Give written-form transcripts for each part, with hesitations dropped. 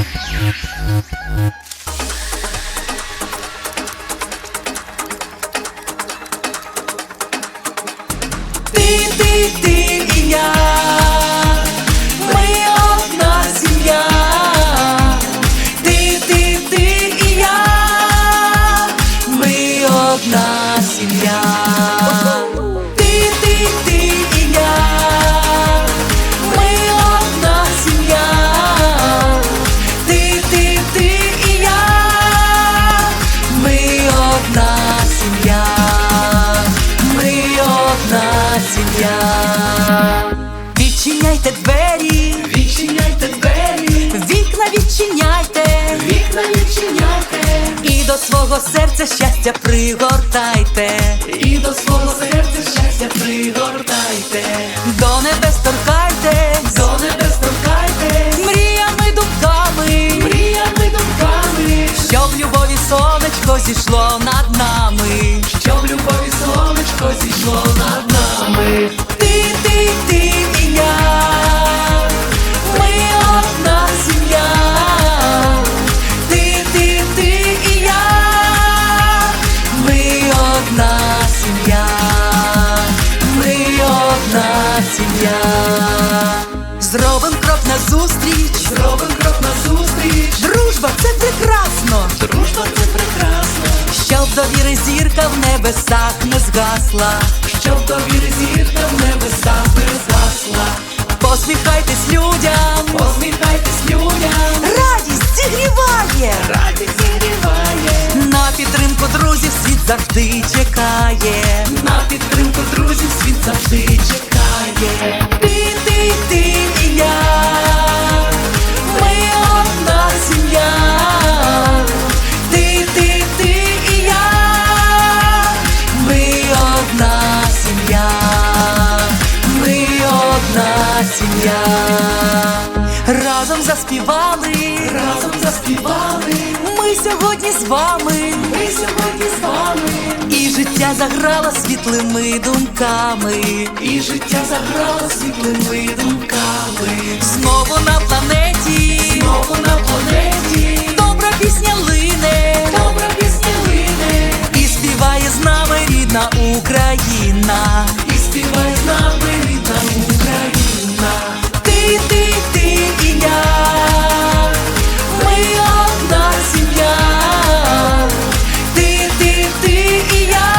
Ти і я, ми одна сім'я. Ти і я, ми одна сім'я. Ти і я, ми одна сім'я. Ти і я, ми одна сім'я. Ми одна сім'я. Відчиняйте двері, Відчиняйте двері, вікна відчиняйте, вікна відчиняйте, і до свого серця щастя пригортайте, і до свого серця щастя пригортайте, до небес торкайтесь, до небес торкайтесь, мріями думками, мріями думками, щоб любові сонечко зійшло над нами, щоб любові сонечко зійшло над нами. Ти і я, ми одна сім'я. Ти і я, ми одна сім'я. Ми одна сім'я. Зробим крок назустріч, Зробим крок назустріч, дружба це прекрасно, дружба це прекрасно, щоб довіри зірка в небесах не згасла, щоб довіри зірка в небесах не згасла. посміхайтесь людям, Посміхайтесь людям, радість зігріває, радість зігріває, на підтримку друзів світ завжди чекає. на підтримку друзів світ завжди чекає. Ти і я, ми одна сім'я. Ти і я, ми одна сім'я. Ми одна сім'я. Разом заспівали, Разом заспівали, ми сьогодні з вами, ми сьогодні з вами, і життя заграло світлими думками. і життя заграло світлими думками. Знову на планеті, Знову на планеті, добра пісня лине, добра пісня лине, і співає з нами рідна Україна. і співає з нами рідна Україна. Ти і я, ми одна сім'я. Ти і я,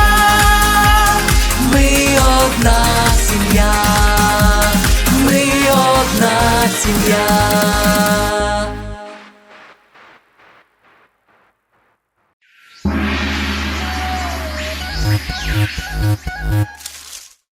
ми одна сім'я. Ми одна сім'я.